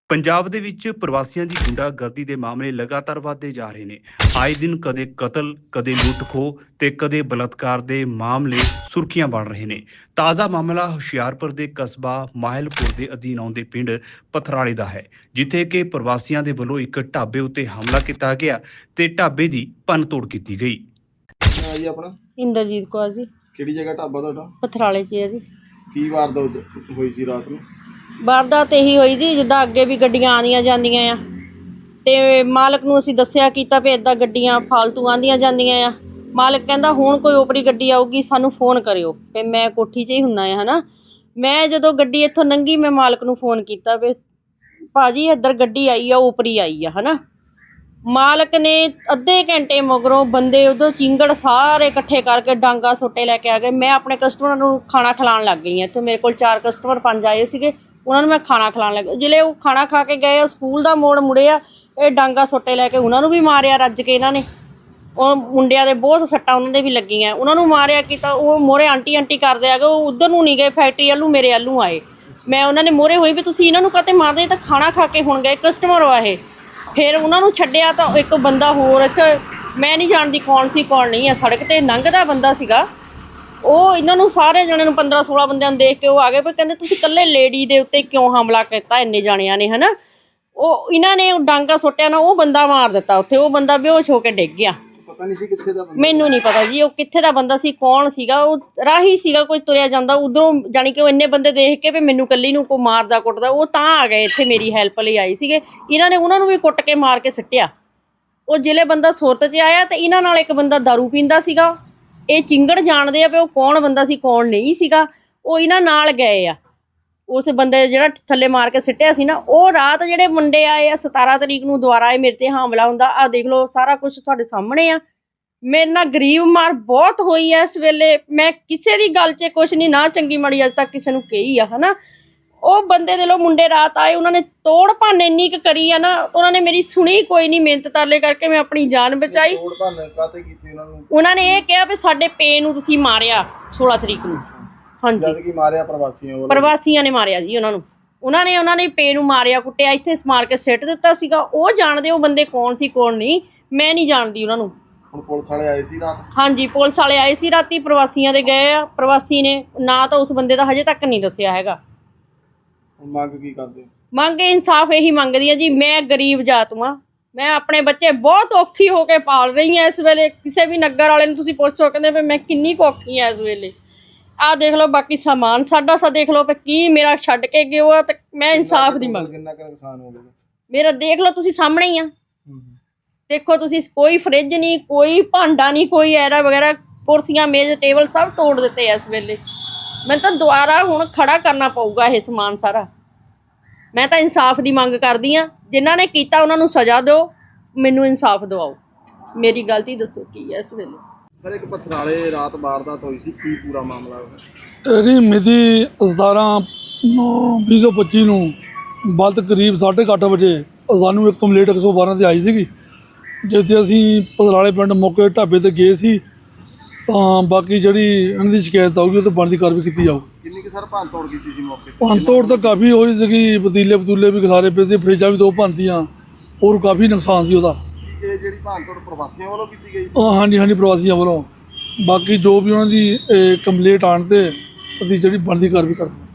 ਪੰਜਾਬ ਦੇ ਵਿੱਚ ਪ੍ਰਵਾਸੀਆਂ ਦੀ ਗੁੰਡਾਗਰਦੀ ਦੇ ਮਾਮਲੇ ਲਗਾਤਾਰ ਵਧਦੇ ਜਾ ਰਹੇ ਨੇ। ਆਏ ਦਿਨ ਕਦੇ ਕਤਲ, ਕਦੇ ਲੁੱਟ-ਖੋਹ ਤੇ ਕਦੇ ਬਲਾਤਕਾਰ ਦੇ ਮਾਮਲੇ ਸੁਰਖੀਆਂ ਬਣ ਰਹੇ ਨੇ। ਤਾਜ਼ਾ ਮਾਮਲਾ ਹੁਸ਼ਿਆਰਪੁਰ ਦੇ ਕਸਬਾ ਮਾਹਿਲਪੁਰ ਦੇ ਅਧੀਨ ਆਉਂਦੇ ਪਿੰਡ ਪਥਰਾਲੇ ਦਾ ਹੈ, ਜਿੱਥੇ ਕਿ ਪ੍ਰਵਾਸੀਆਂ ਦੇ ਵੱਲੋਂ ਇੱਕ ਢਾਬੇ ਉੱਤੇ ਹਮਲਾ ਕੀਤਾ ਗਿਆ ਤੇ ਢਾਬੇ ਦੀ ਭੰਨ-ਤੋੜ ਕੀਤੀ ਗਈ। ਜੀ ਆਪਣਾ ਇੰਦਰਜੀਤ ਕੌਰ ਜੀ। ਕਿਹੜੀ ਜਗ੍ਹਾ ਢਾਬਾ ਤੁਹਾਡਾ? ਪਥਰਾਲੇ 'ਚ ਹੈ ਜੀ। ਕੀ ਵਾਰਦਾਤ ਹੋਈ ਸੀ ਰਾਤ ਨੂੰ? ਵਾਰਦਾਤ ਇਹੀ ਹੋਈ ਜੀ, ਜਿੱਦਾਂ ਅੱਗੇ ਵੀ ਗੱਡੀਆਂ ਆਉਂਦੀਆਂ ਜਾਂਦੀਆਂ ਆ ਤੇ ਮਾਲਕ ਨੂੰ ਅਸੀਂ ਦੱਸਿਆ ਕੀਤਾ ਵੀ ਇੱਦਾਂ ਗੱਡੀਆਂ ਫਾਲਤੂ ਆਉਂਦੀਆਂ ਜਾਂਦੀਆਂ ਆ। ਮਾਲਕ ਕਹਿੰਦਾ ਹੁਣ ਕੋਈ ਓਪਰੀ ਗੱਡੀ ਆਊਗੀ ਸਾਨੂੰ ਫੋਨ ਕਰਿਓ। ਤੇ ਮੈਂ ਕੋਠੀ 'ਚ ਹੀ ਹੁੰਨਾ ਆ ਹਨਾ। ਮੈਂ ਜਦੋਂ ਗੱਡੀ ਇੱਥੋਂ ਲੰਘੀ ਮੈਂ ਮਾਲਕ ਨੂੰ ਫੋਨ ਕੀਤਾ ਵੀ ਭਾਜੀ ਇੱਧਰ ਗੱਡੀ ਆਈ ਆ, ਓਪਰੀ ਆਈ ਆ ਹਨਾ। ਮਾਲਕ ਨੇ ਅੱਧੇ ਘੰਟੇ ਮਗਰੋਂ ਬੰਦੇ ਉਦੋਂ ਚਿੰਗੜ ਸਾਰੇ ਇਕੱਠੇ ਕਰਕੇ ਡਾਂਗਾ ਸੋਟੇ ਲੈ ਕੇ ਆ ਗਏ। ਮੈਂ ਆਪਣੇ ਕਸਟਮਰਾਂ ਨੂੰ ਖਾਣਾ ਖਿਲਾਉਣ ਲੱਗ ਗਈ ਹਾਂ। ਇੱਥੇ ਮੇਰੇ ਕੋਲ 4 ਕਸਟਮਰ 5 ਆਏ ਸੀਗੇ, ਉਹਨਾਂ ਨੂੰ ਮੈਂ ਖਾਣਾ ਖਿਲਾਉਣ ਲੱਗ ਜਿਹੜੇ ਉਹ ਖਾਣਾ ਖਾ ਕੇ ਗਏ ਸਕੂਲ ਦਾ ਮੋੜ ਮੁੜੇ ਆ, ਇਹ ਡਾਂਗਾ ਸੋਟੇ ਲੈ ਕੇ ਉਹਨਾਂ ਨੂੰ ਵੀ ਮਾਰਿਆ ਰੱਜ ਕੇ। ਇਹਨਾਂ ਨੇ ਉਹ ਮੁੰਡਿਆਂ ਦੇ ਬਹੁਤ ਸੱਟਾਂ ਉਹਨਾਂ ਦੇ ਵੀ ਲੱਗੀਆਂ, ਉਹਨਾਂ ਨੂੰ ਮਾਰਿਆ ਕੀਤਾ। ਉਹ ਮੋਰੇ ਆਂਟੀ ਕਰਦੇ ਆ ਗਏ, ਉਹ ਉੱਧਰ ਨੂੰ ਨਹੀਂ ਗਏ ਫੈਕਟਰੀ ਵੱਲੋਂ, ਮੇਰੇ ਵੱਲੋਂ ਆਏ। ਮੈਂ ਉਹਨਾਂ ਨੇ ਮੋਰੇ ਹੋਈ ਵੀ ਤੁਸੀਂ ਇਹਨਾਂ ਨੂੰ ਕਾਹਤੇ ਮਾਰਦੇ, ਤਾਂ ਖਾਣਾ ਖਾ ਕੇ ਹੁਣ ਗਏ ਕਸਟਮਰ ਵਾ ਇਹ। ਫਿਰ ਉਹਨਾਂ ਨੂੰ ਛੱਡਿਆ ਤਾਂ ਇੱਕ ਬੰਦਾ ਹੋਰ ਇੱਥੇ ਮੈਂ ਨਹੀਂ ਜਾਣਦੀ ਕੌਣ ਸੀ ਕੌਣ ਨਹੀਂ ਆ, ਸੜਕ 'ਤੇ ਲੰਘਦਾ ਬੰਦਾ ਸੀਗਾ। ਉਹ ਇਹਨਾਂ ਨੂੰ ਸਾਰੇ ਜਣੇ ਨੂੰ 15-16 ਬੰਦਿਆਂ ਨੂੰ ਦੇਖ ਕੇ ਉਹ ਆ ਗਏ, ਪਰ ਕਹਿੰਦੇ ਤੁਸੀਂ ਇਕੱਲੇ ਲੇਡੀ ਦੇ ਉੱਤੇ ਕਿਉਂ ਹਮਲਾ ਕੀਤਾ ਇੰਨੇ ਜਾਣਿਆਂ ਨੇ ਹੈ ਨਾ। ਉਹ ਇਹਨਾਂ ਨੇ ਉਹ ਡਾਂਗਾ ਸੁੱਟਿਆ ਨਾ, ਉਹ ਬੰਦਾ ਮਾਰ ਦਿੱਤਾ ਉੱਥੇ। ਉਹ ਬੰਦਾ ਬੇਹੋਸ਼ ਹੋ ਕੇ ਡਿੱਗ ਗਿਆ। ਪਤਾ ਨਹੀਂ ਸੀ ਕਿੱਥੇ ਦਾ ਬੰਦਾ? ਮੈਨੂੰ ਨਹੀਂ ਪਤਾ ਜੀ ਉਹ ਕਿੱਥੇ ਦਾ ਬੰਦਾ ਸੀ, ਕੌਣ ਸੀਗਾ। ਉਹ ਰਾਹੀ ਸੀਗਾ, ਕੋਈ ਤੁਰਿਆ ਜਾਂਦਾ ਉਧਰੋਂ, ਜਾਣੀ ਕਿ ਉਹ ਇੰਨੇ ਬੰਦੇ ਦੇਖ ਕੇ ਵੀ ਮੈਨੂੰ ਇਕੱਲੀ ਨੂੰ ਕੋਈ ਮਾਰਦਾ ਕੁੱਟਦਾ, ਉਹ ਤਾਂ ਆ ਗਏ ਇੱਥੇ ਮੇਰੀ ਹੈਲਪ ਲਈ ਆਏ ਸੀਗੇ। ਇਹਨਾਂ ਨੇ ਉਹਨਾਂ ਨੂੰ ਵੀ ਕੁੱਟ ਕੇ ਮਾਰ ਕੇ ਸਿੱਟਿਆ। ਉਹ ਜ਼ਿਲ੍ਹੇ ਬੰਦਾ ਸੁਰਤ 'ਚ ਆਇਆ ਤੇ ਇਹਨਾਂ ਨਾਲ ਇੱਕ ਬੰਦਾ ਦਾਰੂ ਪੀਂਦਾ ਸੀਗਾ। ਇਹ ਚਿੰਗੜ ਜਾਣਦੇ ਆ ਵੀ ਉਹ ਕੌਣ ਬੰਦਾ ਸੀ ਕੌਣ ਨਹੀਂ ਸੀਗਾ। ਉਹ ਇਹਨਾਂ ਨਾਲ ਗਏ ਆ, ਉਸ ਬੰਦੇ ਜਿਹੜਾ ਥੱਲੇ ਮਾਰ ਕੇ ਸਿੱਟਿਆ ਸੀ ਨਾ। ਉਹ ਰਾਤ ਜਿਹੜੇ ਮੁੰਡੇ ਆਏ ਆ 17 ਤਰੀਕ ਨੂੰ ਦੁਬਾਰਾ ਇਹ ਮੇਰੇ ਤੇ ਹਮਲਾ ਹੁੰਦਾ। ਆਹ ਦੇਖ ਲਓ ਸਾਰਾ ਕੁਝ ਤੁਹਾਡੇ ਸਾਹਮਣੇ ਆ। ਮੇਰੇ ਨਾਲ ਗਰੀਬ ਮਾਰ ਬਹੁਤ ਹੋਈ ਐ ਇਸ ਵੇਲੇ। ਮੈਂ ਕਿਸੇ ਦੀ ਗੱਲ 'ਚ ਕੁਛ ਨਹੀਂ ਨਾ ਚੰਗੀ ਮਾੜੀ ਅੱਜ ਤੱਕ ਕਿਸੇ ਨੂੰ ਕਹੀ ਆ ਹਨਾ। ਉਹ ਬੰਦੇ ਦੇ ਲੋ ਮੁੰਡੇ ਰਾਤ ਆਏ, ਉਹਨਾਂ ਨੇ ਤੋੜ ਭੰਨ ਇੰਨੀ ਕੁ ਕਰੀ ਆ ਨਾ, ਉਹਨਾਂ ਨੇ ਮੇਰੀ ਸੁਣੀ ਕੋਈ ਨਹੀਂ। ਮਿਹਨਤ ਤਰਲੇ ਕਰਕੇ ਮੈਂ ਆਪਣੀ ਜਾਨ ਬਚਾਈ। ਤੋੜ ਭੰਨ ਕਾਤੇ ਕੀਤੀ ਉਹਨਾਂ ਨੂੰ? ਉਹਨਾਂ ਨੇ ਇਹ ਕਿਹਾ ਵੀ ਸਾਡੇ ਪੇ ਨੂੰ ਤੁਸੀਂ ਮਾਰਿਆ 16 ਤਰੀਕ ਨੂੰ। ਹਾਂਜੀ, ਜਦ ਕਿ ਮਾਰਿਆ ਪ੍ਰਵਾਸੀਆਂ ਨੇ ਮਾਰਿਆ ਜੀ ਉਹਨਾਂ ਨੂੰ। ਉਹਨਾਂ ਨੇ ਪੇ ਨੂੰ ਮਾਰਿਆ ਕੁੱਟਿਆ, ਇੱਥੇ ਮਾਰ ਕੇ ਸਿੱਟ ਦਿੱਤਾ ਸੀਗਾ। ਉਹ ਜਾਣਦੇ ਉਹ ਬੰਦੇ ਕੌਣ ਸੀ ਕੌਣ ਨਹੀਂ, ਮੈਂ ਨਹੀਂ ਜਾਣਦੀ ਉਹਨਾਂ ਨੂੰ। ਹੁਣ ਪੁਲਿਸ ਵਾਲੇ ਆਏ ਸੀ ਰਾਤ? ਹਾਂਜੀ, ਪੁਲਿਸ ਵਾਲੇ ਆਏ ਸੀ ਰਾਤੀ, ਪ੍ਰਵਾਸੀਆਂ ਦੇ ਗਏ ਆ। ਪ੍ਰਵਾਸੀ ਨੇ ਨਾ ਤਾਂ ਉਸ ਬੰਦੇ ਦਾ ਹਜੇ ਤੱਕ ਨਹੀਂ ਦੱਸਿਆ ਹੈਗਾ। ਮੰਗ ਕੀ ਕਰਦੇ? ਮੰਗ ਇਨਸਾਫ ਇਹੀ ਮੰਗਦੀ ਆ ਜੀ। ਮੈਂ ਗਰੀਬ ਜਾਤ ਵਾਂ, ਮੈਂ ਆਪਣੇ ਬੱਚੇ ਬਹੁਤ ਔਖੀ ਹੋ ਕੇ ਪਾਲ ਰਹੀ ਹਾਂ ਇਸ ਵੇਲੇ। ਕਿਸੇ ਵੀ ਨਗਰ ਵਾਲੇ ਨੂੰ ਤੁਸੀਂ ਪੁੱਛੋ, ਕਹਿੰਦੇ ਵੀ ਮੈਂ ਕਿੰਨੀ ਕੁ ਔਖੀ ਹਾਂ ਇਸ ਵੇਲੇ। ਆਹ ਦੇਖ ਲਓ ਬਾਕੀ ਸਮਾਨ ਸਾਡਾ ਦੇਖ ਲਓ ਵੀ ਕੀ ਮੇਰਾ ਛੱਡ ਕੇ ਗਿਓ ਆ। ਤੇ ਮੈਂ ਇਨਸਾਫ ਦੀ ਮੰਗ। ਕਿੰਨਾ ਕੁ ਨੁਕਸਾਨ ਹੋ ਗਿਆ ਮੇਰਾ? ਦੇਖ ਲਓ ਤੁਸੀਂ ਸਾਹਮਣੇ ਹੀ ਆ, ਦੇਖੋ ਤੁਸੀਂ। ਕੋਈ ਫਰਿੱਜ ਨਹੀਂ, ਕੋਈ ਭਾਂਡਾ ਨਹੀਂ, ਕੋਈ ਐਰਾ ਵਗੈਰਾ, ਕੁਰਸੀਆਂ ਮੇਜ਼ ਟੇਬਲ ਸਭ ਤੋੜ ਦਿੱਤੇ ਇਸ ਵੇਲੇ। ਮੈਨੂੰ ਤਾਂ ਦੁਬਾਰਾ ਹੁਣ ਖੜਾ ਕਰਨਾ ਪਊਗਾ ਇਹ ਸਮਾਨ ਸਾਰਾ। ਮੈਂ ਤਾਂ ਇਨਸਾਫ ਦੀ ਮੰਗ ਕਰਦੀ ਹਾਂ। ਜਿਨ੍ਹਾਂ ਨੇ ਕੀਤਾ ਉਹਨਾਂ ਨੂੰ ਸਜ਼ਾ ਦਿਓ, ਮੈਨੂੰ ਇਨਸਾਫ ਦਿਵਾਓ। ਮੇਰੀ ਗਲਤੀ ਦੱਸੋ ਕੀ ਹੈ ਇਸ ਵੇਲੇ। ਸਰ ਇੱਕ ਪਥਰਾਲੇ ਰਾਤ ਵਾਰਦਾਤ ਹੋਈ ਸੀ, ਕੀ ਪੂਰਾ ਮਾਮਲਾ? ਇਹਦੀ ਮਿਤੀ 17/9/2025 ਨੂੰ ਬਲਦ ਕਰੀਬ 8:30 ਵਜੇ ਸਾਨੂੰ ਇੱਕ ਕੰਪਲੇਂਟ 112 ਤੇ ਆਈ ਸੀਗੀ, ਜਿੱਥੇ ਅਸੀਂ ਪਥਰਾਲੇ ਪਿੰਡ ਮੌਕੇ ਢਾਬੇ ਤੇ ਗਏ ਸੀ। ਤਾਂ ਬਾਕੀ ਜਿਹੜੀ ਇਹਨਾਂ ਦੀ ਸ਼ਿਕਾਇਤ ਆਊਗੀ ਉਹ ਤਾਂ ਬਣਦੀ ਕਾਰਵਾਈ ਕੀਤੀ ਜਾਊ। ਕਿੰਨੀ ਕਿ ਸਰ ਭੰਨ ਤੋੜ ਕੀਤੀ ਸੀ ਮੌਕੇ ਤੇ? ਭੰਨ ਤੋੜ ਤਾਂ ਕਾਫੀ ਹੋਈ ਸੀਗੀ, ਪਤੀਲੇ ਵੀ ਖਿਲਾਰੇ ਪਏ ਸੀ, ਫਰਿੱਜਾਂ ਵੀ 2 ਭੰਨਤੀਆਂ, ਹੋਰ ਕਾਫੀ ਨੁਕਸਾਨ ਸੀ ਉਹਦਾ। ਇਹ ਜਿਹੜੀ ਭੰਨ ਤੋੜ ਪ੍ਰਵਾਸੀਆਂ ਵੱਲੋਂ ਕੀਤੀ ਗਈ? ਹਾਂਜੀ, ਪ੍ਰਵਾਸੀਆਂ ਵੱਲੋਂ। ਬਾਕੀ ਜੋ ਵੀ ਉਹਨਾਂ ਦੀ ਕੰਪਲੇਂਟ ਆਉਣ 'ਤੇ ਅਸੀਂ ਜਿਹੜੀ ਬਣਦੀ ਕਾਰਵਾਈ ਕਰਦੇ।